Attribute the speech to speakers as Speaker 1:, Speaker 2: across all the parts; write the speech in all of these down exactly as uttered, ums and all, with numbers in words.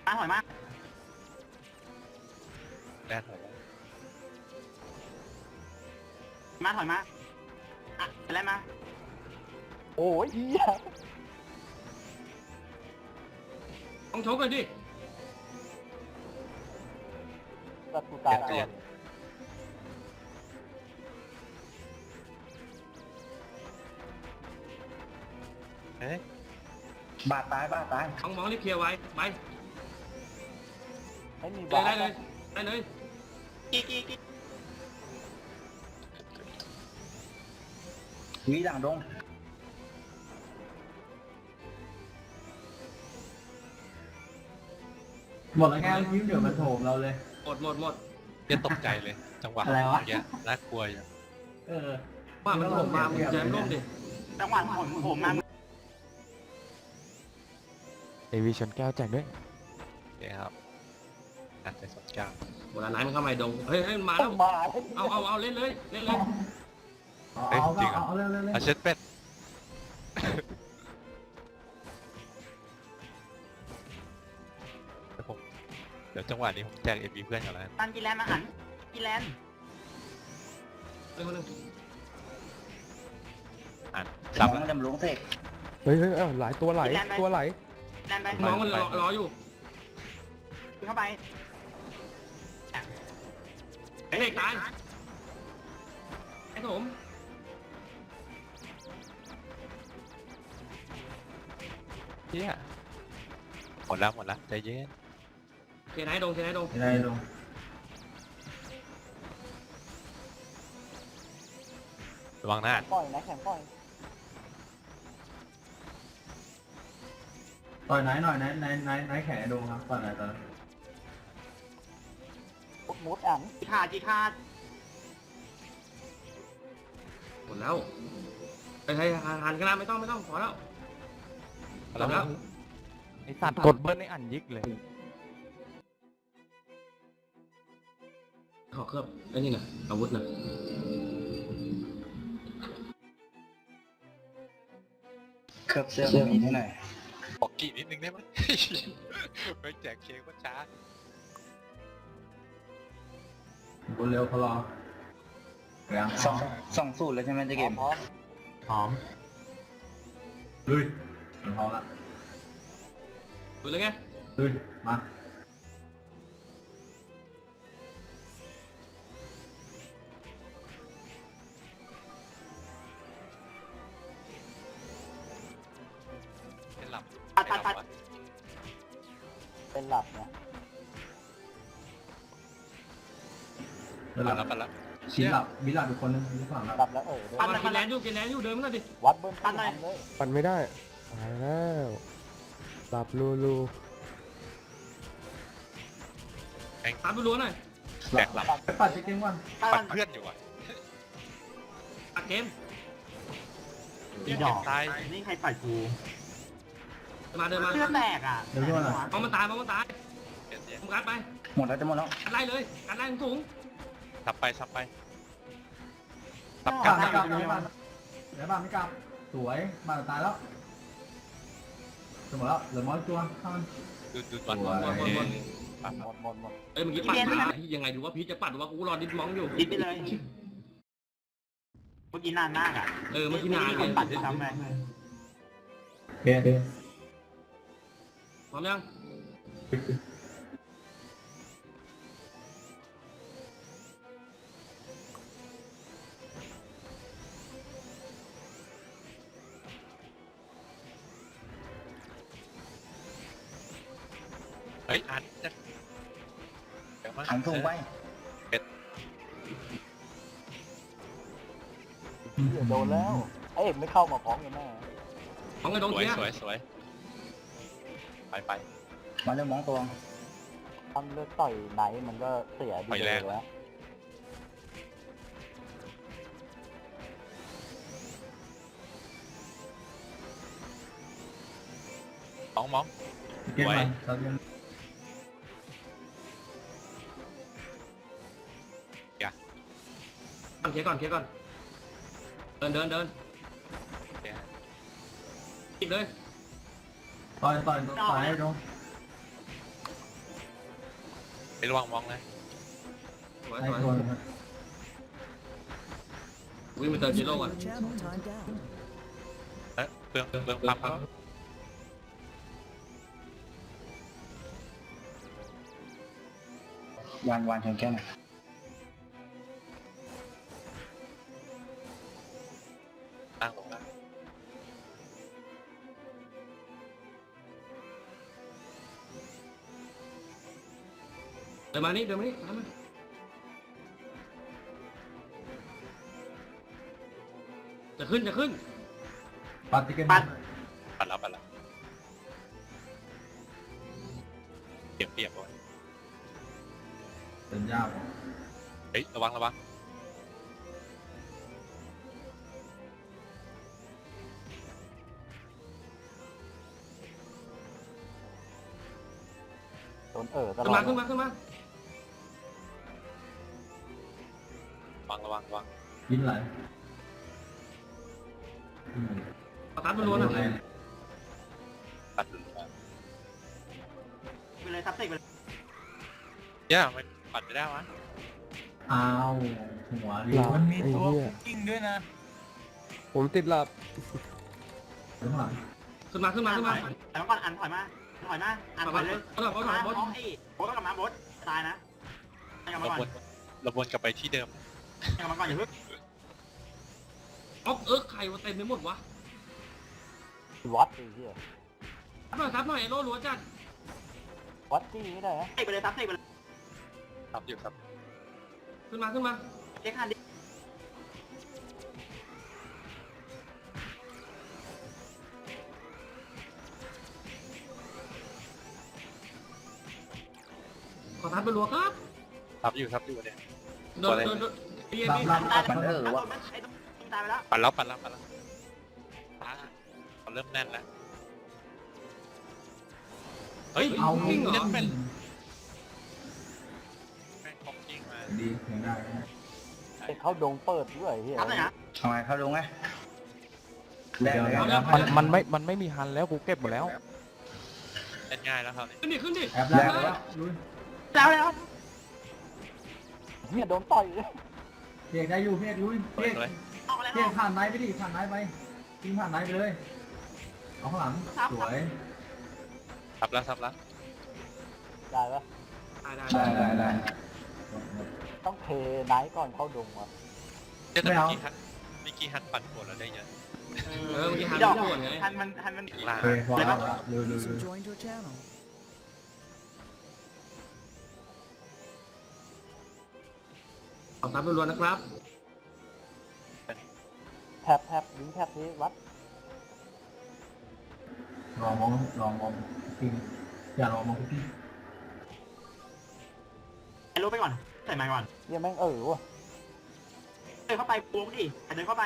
Speaker 1: มาถอยมา
Speaker 2: แดนถอย
Speaker 1: มาถอยมาอ่ะอะไรมา
Speaker 3: โอ้ยเหี้ย
Speaker 4: ต้องชกเลยดิ
Speaker 3: ตัดกูตายแล้ว
Speaker 2: เฮ้ย
Speaker 5: บาดตายบาดตาย
Speaker 4: มองมองรีบเคลียร์ไว้ไป
Speaker 3: ให้มี
Speaker 4: เลย
Speaker 3: บา
Speaker 4: ได้เลยได้เลย
Speaker 1: กี่กี่กี่
Speaker 5: วีหลังดง
Speaker 6: หมดแล้วแค่ยิ้มเดี๋ยวมันโถมเราเลย
Speaker 4: หมดหมดหมด
Speaker 2: เดี๋ยวตกใจเลยจังหวะ
Speaker 6: อะไรวะ
Speaker 2: เงี้ยน่ากลัวอยู่
Speaker 6: เออ
Speaker 4: ว่ามันโถมมามึงจะร่มดิ
Speaker 1: จังหวะผมผมมา
Speaker 7: เอวีชนแก้วแจกด้วย
Speaker 2: โอเคครับอ่ะใจสดเก้า
Speaker 4: หมดแล้วไหนมันเข้ามาดงเฮ้ยเฮ้ยมาแล้ว
Speaker 3: มา
Speaker 4: เอาเอาเอาเล่นเลยเล่นเลย
Speaker 6: เอาเอาเอาเอาเร็วเร็วเร็ว
Speaker 2: เอาเช็ดเป็ดเดี๋ยวผมเดี๋ยวจังหวะนี้ผมแจกเอ็มบีเพื่อนก่อนแล้วกัน
Speaker 1: ตันกินแลนมาหันกินแลน
Speaker 4: เร็วเร็ว
Speaker 2: อ่าน
Speaker 5: สา
Speaker 2: ซ้ำ
Speaker 5: ม
Speaker 2: แล้ว
Speaker 5: จำลงเสก
Speaker 7: เฮ้ยเฮ้ยเอ้าหลายตัวไหลตัวไหล
Speaker 1: แลนไป
Speaker 4: มองมันรอรออยู่
Speaker 1: เข้าไป
Speaker 4: ไอ้เด็กตายไอ้ผม
Speaker 2: เฮียหมดแล้วหมดแล้วใจเย็น
Speaker 4: เคลียร์ไหนดงเคลียร์ไหนดง
Speaker 6: ได้ลง
Speaker 2: ระวังหน้า
Speaker 3: ปล่อยนะแข็งปล่อย
Speaker 6: ต่อยไหนหน่อยไหนไหนไหนไหนแขนดูครับต่อยไหนต่อย
Speaker 3: มุดมุดอ่าน
Speaker 1: จีขาดจีขาด
Speaker 4: หมดแล้วไอ้ไอ้หันกันนะไม่ต้องไม่ต้องพอแล้ว
Speaker 2: แล้วแล้ว
Speaker 7: ไอสัตว์กดเบิ้ลในอันยิกเลย
Speaker 4: ขอเคลือบไอ้นี่น่ะอาวุธน่ะ
Speaker 5: เคลือบเสื้อมีที่ไหน
Speaker 2: บอกกี่นิดนึงได้ไหม ไปแจกเค้กว่าช้า
Speaker 6: บนเร็วพอรอเรียง
Speaker 5: สองสองสูตรเลยใช่ไหมเจ๊เกม
Speaker 3: พร้อม
Speaker 6: หอมลุยมันพอละ
Speaker 4: ดูเลยไง
Speaker 6: ลุยมา
Speaker 2: เป็นหลับ
Speaker 1: ตัดตัดตัด
Speaker 3: เป็นหลับเนี่ย
Speaker 6: เดี๋ยว
Speaker 2: ปั
Speaker 6: ห
Speaker 2: ด
Speaker 6: ลั
Speaker 2: แล้ว
Speaker 6: บ
Speaker 2: ปัดแล้ว
Speaker 6: ชิ้นหลับมีหลับอีกคนนึงมีฝั่งหลับ
Speaker 3: หลับแล้วเออ
Speaker 4: มากินแลนอยู่กินแลนอยู่เดินมาหน่อยดิ
Speaker 3: วัดเบิ้ลตันเลย
Speaker 7: ปั่นไม่ได้ตายแล้วหลับลูลู
Speaker 4: ตามไปรู้หน่อย
Speaker 2: แจกหลับ
Speaker 6: ไปปัดเช็คเกมก่อน
Speaker 1: ตั
Speaker 2: ปั
Speaker 1: น
Speaker 2: ดเพื่อนอยู่อ่ะ
Speaker 4: ตัดเกม
Speaker 1: อีดอกนี่ใครปัดกู
Speaker 4: มาเดินมา
Speaker 1: เลือดแตกอ่ะ
Speaker 4: มองมันตายมองมันตาย
Speaker 2: เดี๋ยวเดี๋ยว
Speaker 4: มึงกัดไป
Speaker 5: หมดแล้วจะหมดแล้ว
Speaker 4: กัดไล่เลยกัดไล่สูง
Speaker 2: ทับไปทับไปทับ
Speaker 6: ก
Speaker 2: กั
Speaker 6: ลั
Speaker 2: น
Speaker 6: บไม่กลับไม่กลับเดี๋ยวบ้านไม่กลับสวยบ้านตายแล้วจะหมดแล้วเหลือมอสตัวข้าม
Speaker 2: ดูดูบอล
Speaker 4: บอลบอลบอลบอล
Speaker 2: ปั๊บ
Speaker 3: หมดหมดหมด
Speaker 4: เอ้ยเมื่อกี้ปัดมายังไงดูว่าพีจะปัดหรือว่ากูรอดิดมองอยู่
Speaker 1: ดิดไปเลยเมื่อกี้นานมากอ่ะ
Speaker 4: เออเมื่อกี้นาน
Speaker 1: มีคนปัดด้วยซ้ำไป
Speaker 6: โอเคโอเค
Speaker 4: พร้อมยัง
Speaker 2: เฮ้ยอันจะเดี๋ยวมา
Speaker 5: หันทุ่งไป
Speaker 3: โดนแล้วไอ้เอกไม่เข้ามาพร้อมกันแน่
Speaker 4: ของไอ้ดง
Speaker 2: สวย
Speaker 4: เทีย
Speaker 2: สวยสวยไปไป
Speaker 5: มาเริ่มมองตัว
Speaker 3: ตั้งเลือกต่อยไหนมันก็เสียดีเลยแล้ว
Speaker 2: มองมอง
Speaker 6: เกมมันเราเกม
Speaker 4: ก่อนเคลียร์ก่อนเคลียร์ก่อนเดินเดินเดิน
Speaker 2: เดี๋ยว
Speaker 4: จิบเลย
Speaker 6: ต่อยต่อยต่อยให้ดู
Speaker 2: ไประวังมองเลย
Speaker 4: สวย
Speaker 6: ไอ้
Speaker 4: สวย
Speaker 6: ตัวนึง
Speaker 4: วิ่งไปเติมจีโร่ก่อน
Speaker 8: Channel timed out.
Speaker 2: เอ๊ะเปลืองเปลืองเปลืองปั๊มเขา
Speaker 5: วานวานชนแก้วหน่อย
Speaker 2: ตั้งลงแล้ว
Speaker 4: เดินมานี่เดินมานี่ตามมาจะขึ้นจะขึ้น
Speaker 6: ปัดติเกน
Speaker 1: ปัด
Speaker 2: ปัดแล้วปัดแล้วเปรียบเปรียบเลย
Speaker 6: เดินยาว
Speaker 2: เฮ้ยระวังระวัง
Speaker 3: โดนเออตล
Speaker 4: ขึ้น
Speaker 3: อ
Speaker 4: มา
Speaker 3: ด
Speaker 4: ขึ้นมาขึ้นมา
Speaker 2: ระวังระวังระวัง
Speaker 6: ยินไหล
Speaker 4: ประทัดมันล้วนอ่ะ
Speaker 2: ปัดหลุดมา
Speaker 1: ไปเลยซับเตกไปเลย
Speaker 2: เย่ามันปัดไม่ได้วะ
Speaker 6: อ้าวหัวดิ
Speaker 7: หลับ
Speaker 6: มัน
Speaker 7: ไอ้เหี้ย
Speaker 1: กิ้งด้วยนะ
Speaker 7: ผมติดหลับ
Speaker 6: ข้างหลัง
Speaker 4: ขึ้นมาขึ้นมาขึ้นมา
Speaker 1: แต่เมื่อก่อนอันถอยมาถอยมาอันถอยเลย
Speaker 4: บอสบอสบอสบอส
Speaker 1: บอสไอ้บอสกลับมาบอสตายนะกลับมา
Speaker 2: เรา
Speaker 1: ก่อน
Speaker 2: วนเราวนกลับไปที่เดิม
Speaker 1: กลับมาก่อนอย่าเพิ่ง
Speaker 4: อ๊อกเออไข่มันเต็มไปหมดวะ
Speaker 3: วัดไอ้เหี้ย
Speaker 4: ซับหน่อยซับหน่อยไอ้โล่ล้วนจัด
Speaker 3: วัดจี้ไม่ได้ฮะ
Speaker 1: เตกไปเลยซับเตกไปเลย
Speaker 2: ครับอยู่ครับ
Speaker 4: ขึ้นมาขึ้นมา
Speaker 1: เช็คฮันดิ
Speaker 4: ขอทัดไปรัวครับ
Speaker 2: ครับอยู่ครับอยู่เนี่ย
Speaker 4: โดนโดนโดนเบียร์
Speaker 6: รับ
Speaker 4: พี่
Speaker 6: รับ
Speaker 1: ตาย
Speaker 5: มันเออ
Speaker 1: แล้ว
Speaker 5: วะ
Speaker 1: ไอ้ต้องตายไปแล้ว
Speaker 2: ปัดแล้วปัดแล้วปัดแล้วอ่าเขาเริ่มแน่นแล้วเฮ้ย
Speaker 6: เอา
Speaker 2: วิ่ง
Speaker 6: เหร
Speaker 2: เล่
Speaker 6: อน
Speaker 2: เป็นแม่งของจริงมา
Speaker 6: ดียังได้
Speaker 3: ไอ้เข้าดงเปิดด้วยไอ้เหี้ย
Speaker 1: ซับเลยนะ
Speaker 5: ทำไมเข้าลงไงแรกเลย
Speaker 4: เอา
Speaker 5: นะ
Speaker 4: แล้ว
Speaker 7: มันมันไม่มันไม่มีฮันแล้วกูเก็บหมดแล้ว
Speaker 2: เล่นง่ายแล้วครับนี่
Speaker 4: ขึ้นดิขึ้นดิ
Speaker 6: แอบแล้วลุย
Speaker 1: แล้วแล้ว
Speaker 3: เหี้ยโดนต่อยเลย
Speaker 6: เพียกได้อยู่เพียกลุย
Speaker 2: เปิ
Speaker 6: เพี
Speaker 2: ด
Speaker 6: ยก
Speaker 2: เลย
Speaker 1: ออกแล้ว
Speaker 6: เพียกผ่านไนไปดิผ่านไนไปทิ้งผ่านไนไปเลยเอาข้างหลังสวย
Speaker 2: ทับแล้วทับแล้ว
Speaker 3: ได้ปะ
Speaker 4: ได้ได้
Speaker 5: ได้ได้ได้
Speaker 3: ต้องเทไนท์ก่อนเข้าดงวะ
Speaker 2: เจ้าแต่เมื่อกี้ฮันเมื่อกี้ฮันปั่นปวดแล้วได้เยอะ
Speaker 4: เออเมื่อกี้หัน
Speaker 1: ดอก
Speaker 4: ไปส่วนไง
Speaker 1: ทันมันทันมัน
Speaker 2: ล่า
Speaker 6: โอเคพอแล้วลุยลุย
Speaker 8: User joined your channel.
Speaker 4: ขอทัดไปรัวนะครับ
Speaker 3: แทบแทบยิงแทบนี้วัด
Speaker 6: ลองมองลองมองพิงอย่าลองมองพี่
Speaker 1: ไอ้รู้ไปก่อนใส่ไม้ก่อน
Speaker 3: เหี้ยแม่งเออวะ
Speaker 1: เดินเข้าไปปูงดิเดินเข้าไป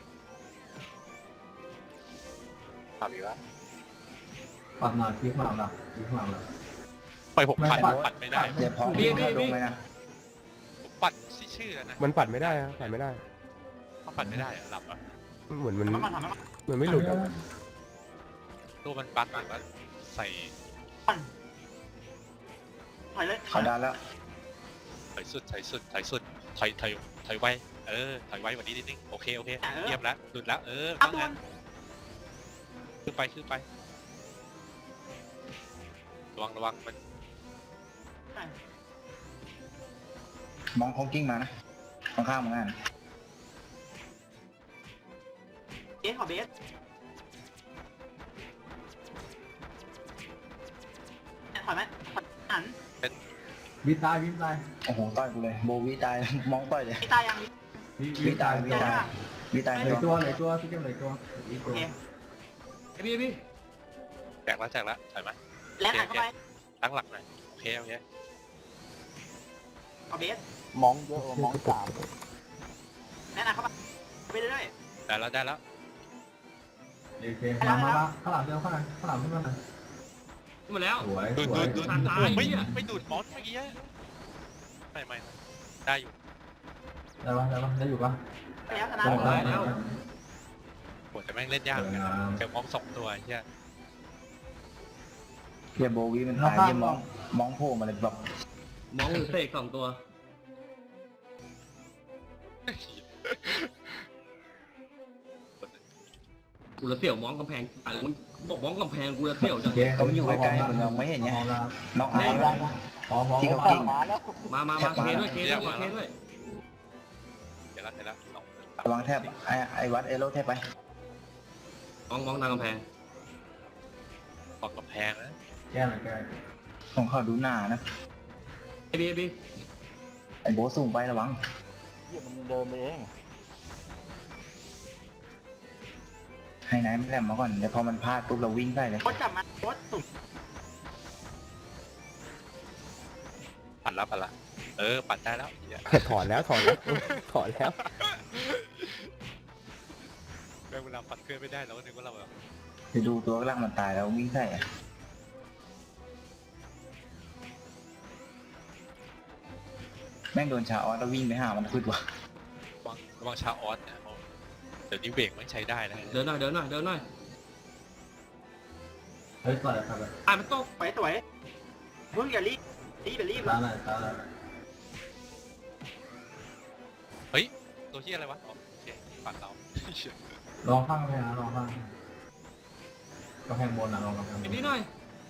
Speaker 2: ทับอีกแล้ว
Speaker 6: ปัดหน่อยพี่ข้างหลังละพี่ข้างหลังละ
Speaker 2: ปล่อยผมปั่นปั่นไม่ได้
Speaker 5: เดี๋ยวพอพี่เข้าลงเลยนะ
Speaker 2: ผมปั่นชื่อชื่อแล้วนะ
Speaker 7: มันปัดไม่ได้อะปัดไม่ได้
Speaker 2: เขาปั่นไม่ได้อะหลับอ่ะ
Speaker 7: เหมือนมัน
Speaker 1: มาก่อนทำมาก่อน
Speaker 7: เหมือนไม่หลุดอะ
Speaker 2: ตัวมันบั๊กหรือว่าใส่
Speaker 1: ถอยเลย
Speaker 5: เขาดันแล้ว
Speaker 2: ถอยสุดถอยสุดถอยสุดถอยถอยถอยไวเออถอยไวกว่านี้นิดนึงโอเคโอเคเยี่ยมแล้วหลุดแล้วเออ
Speaker 1: อัพ
Speaker 2: ว่า
Speaker 1: โด
Speaker 2: งั้
Speaker 1: น
Speaker 2: นขึ้นไปขึ้นไประวังระวังมัน
Speaker 5: มองคงกิ้งมานะข้างข้างๆมึงอ่ะ
Speaker 1: เบสขอเบสถอยไหมถอยหัน
Speaker 6: วิตายวิตาย
Speaker 5: โอ้โหต่อยกูเลยโบวีตายมองต่อยเลย
Speaker 1: พี่ตายยัง
Speaker 6: วิ
Speaker 5: วิตายวิ
Speaker 1: เจอ
Speaker 5: ตาย
Speaker 1: ป่ะ
Speaker 5: วิตาย
Speaker 6: เหลย
Speaker 5: ตั
Speaker 6: ตัว วเหลยตัวพี่เก็บเหลยตัวอีก
Speaker 1: โอ
Speaker 6: ตัว
Speaker 1: เค
Speaker 4: ไอ้พี่พี่
Speaker 2: แจกแล้วแจกแล้วถอยมา
Speaker 1: แล้วหันเข้าไป
Speaker 2: ตั้งหลักหน่อยโอเคโอเค
Speaker 1: ขอเบส
Speaker 3: มองเยอะกว่ามองสาม
Speaker 1: แล้วหันเข้าไปไปเรื่อย
Speaker 2: ได้แล้วได้แล้ว
Speaker 6: โอเคมามาข้างหลังเดียวข้างหลังข้างหลังขึ้นมาหน่อย
Speaker 4: ขึ้นมาแล้ว
Speaker 6: สวย
Speaker 2: ดู
Speaker 6: ส
Speaker 2: ด
Speaker 6: วย
Speaker 2: ดูดดูดไม่ไม่ดูดมอสเมื่อกี้ไม่ไม่ได้อยู่
Speaker 6: ได้ปะได้ปะได้อยู่ปะ
Speaker 1: ๆแล้วชนะ
Speaker 6: ได้แล้ว
Speaker 2: โหแต่แม่งเล่นยากเหมือนกันเจอมอสสองตัวเฮีย
Speaker 5: เดี๋ยวโบวีมันตายเดี๋ยวมองมองโผล่มาเลยแบบ
Speaker 4: มองหรือเสกสองตัวกูละเสี่ยวมองกำแพงอ่ะมึงบอกมองกำแพงกูละเสี่ยวจัง
Speaker 6: โอเค
Speaker 5: เขาอยู่ใกล้ๆมึงยังไม่เห็นไง
Speaker 6: พร้อมแล้ว
Speaker 5: น็อก
Speaker 3: พร้
Speaker 5: ไอ้
Speaker 3: อมแล้วนะ
Speaker 6: พร้อมพร้อม
Speaker 5: ที่เขา
Speaker 3: เอ้า
Speaker 5: กิ้ง
Speaker 3: มาแล้ว
Speaker 4: มามามาเคด้วยเคด้วยเคด้วย
Speaker 2: เดี๋ยวละเดี๋ยวละสอง
Speaker 5: ระวังแทบไอ้ไอ้วัดเอโร่แทบไป
Speaker 4: มองมองทางกำแพง
Speaker 2: ขอบกำแพงนะ
Speaker 6: แก้หน่อยแก้
Speaker 5: ของเขาดูหน้านะ
Speaker 4: ไอ้บีไอ้บี
Speaker 5: ไอ้โบทสูงไประวัง
Speaker 3: เหี้ยมันเดินไปเอง
Speaker 5: ให้นายมันแหลมมาก่อนเดี๋ยวพอมันพลาดปุ๊บเราวิ่งได้เลย
Speaker 1: โคตรจับมาโคตรสุ่ม
Speaker 2: ปั่นละปั่นละเออปั่นได้แล้วเหี้ย
Speaker 7: ถอนแล้วถอนแล้วถอนแล้ว
Speaker 2: แม่งเวลาปั่นเคลื่อนไม่ได้แล้วนึกว่าเราแบบ
Speaker 5: จะดูตัวกลางมันตายแล้ววิ่งใส่อะแม่งโดนชาออสแล้ววิ่งไปหามันขึ้นวะ
Speaker 2: ระวังระวังชาออสเนี่ยเขาเดี๋ยวนี้เบรกไม่ใช้ได้นะ
Speaker 4: เดินหน่อยเดินหน่อยเดินหน่อย
Speaker 6: เฮ้ยต่อยครับ
Speaker 4: อ่ะมันตก
Speaker 1: สวยสวยมึงอย่ารีบรีบอย่ารีบ
Speaker 6: ตาหน่อยตาหน่อย
Speaker 2: เฮ้ยตัวที่อะไรวะอ๋อโอเคปั่นเรา
Speaker 6: ลองข้างกำแพงนะลองข้างกำแพงบนนะลองกำแพงบ
Speaker 4: ไอ้
Speaker 6: น
Speaker 4: บีหน่อย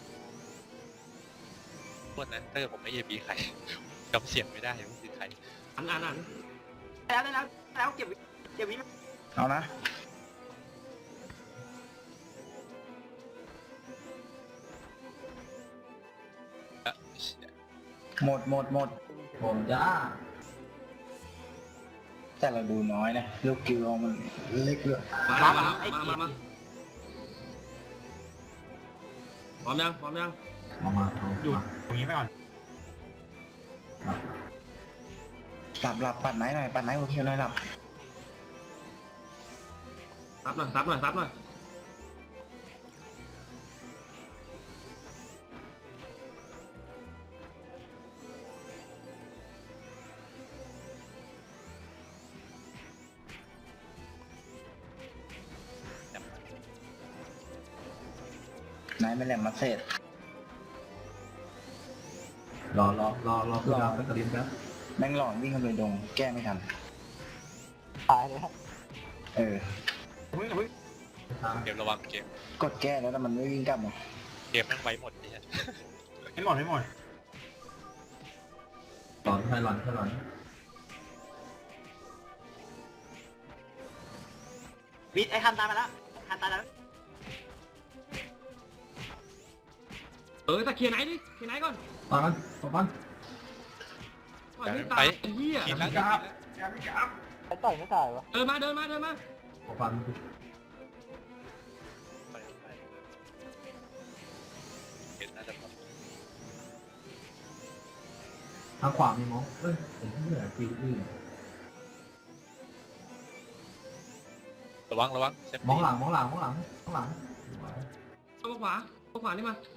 Speaker 2: พวกนั้นถ้าเกิดผมไม่เอบีใครจำเสียงไม่ได้ว่าคือใคร
Speaker 4: อันอันอัน
Speaker 1: แล้วได้แล้วแล้วเก็บเก็บวิ
Speaker 5: เอานะ
Speaker 2: อ่ะเชี่ย
Speaker 5: หมดหมดหมด
Speaker 6: ผมจ้า
Speaker 5: แต่เราดูน้อยนะลูกกิวเรามันเล็กเลย
Speaker 4: มาแล้วมาแล้วมามามาพร้อมยังพร้อมยัง
Speaker 6: มามาเอา
Speaker 1: หยุด
Speaker 6: มา
Speaker 1: ตรงนี้ไปก่อน
Speaker 5: หลับหลับปัดไหนหน่อยปัดไหนโอเคหน่อยหลับ
Speaker 4: ซับหน่อยซับหน่อยซับหน่อย
Speaker 5: ไหนไม่แหลมมาเสร็จ
Speaker 6: รอรอรอรอคุณดาวไปกระดิ่งครับ
Speaker 5: แม่งหลอนวิ่งเข้าไปดงแก้ไม่ทัน
Speaker 3: ตายเลยฮะ
Speaker 5: เออ
Speaker 1: มึงอย่าเพิ่ง
Speaker 2: เกมระวังเกม
Speaker 5: กดแก้แล้วแต่มันไม่วิ่งกลับมา
Speaker 2: เกมแม่งไว้หมดเนี่ย
Speaker 1: ไม่หมดไม่หมด
Speaker 6: หลอนให้หลอนให้หลอน
Speaker 1: วิทไอ้คันตายมาแล้วคันตายแล้ว
Speaker 4: เออแต่เคลียร์ไหนดิเคลียร์ไหนก่อน
Speaker 6: ตอนนั้นตอนนั้น
Speaker 4: ปล่อยไม่ตายไอ้เหี้ย
Speaker 2: กินแล้วกินแล้ว
Speaker 3: ไอ้ต่อยไม่ตายวะ
Speaker 4: เดินมาเดินมาเดินมา
Speaker 6: ตอนนั้น
Speaker 2: ไปไปเห็นน่าจะแบบ
Speaker 6: ทางขวามีมองเอ้ยเห็นที่เหนือจีอื่น
Speaker 2: ระวังระวังเซฟ
Speaker 6: มอง
Speaker 2: ตี้
Speaker 6: หลังมองหลังมองหลังมองหลัง
Speaker 4: เอาขวาเอาขวานี่มา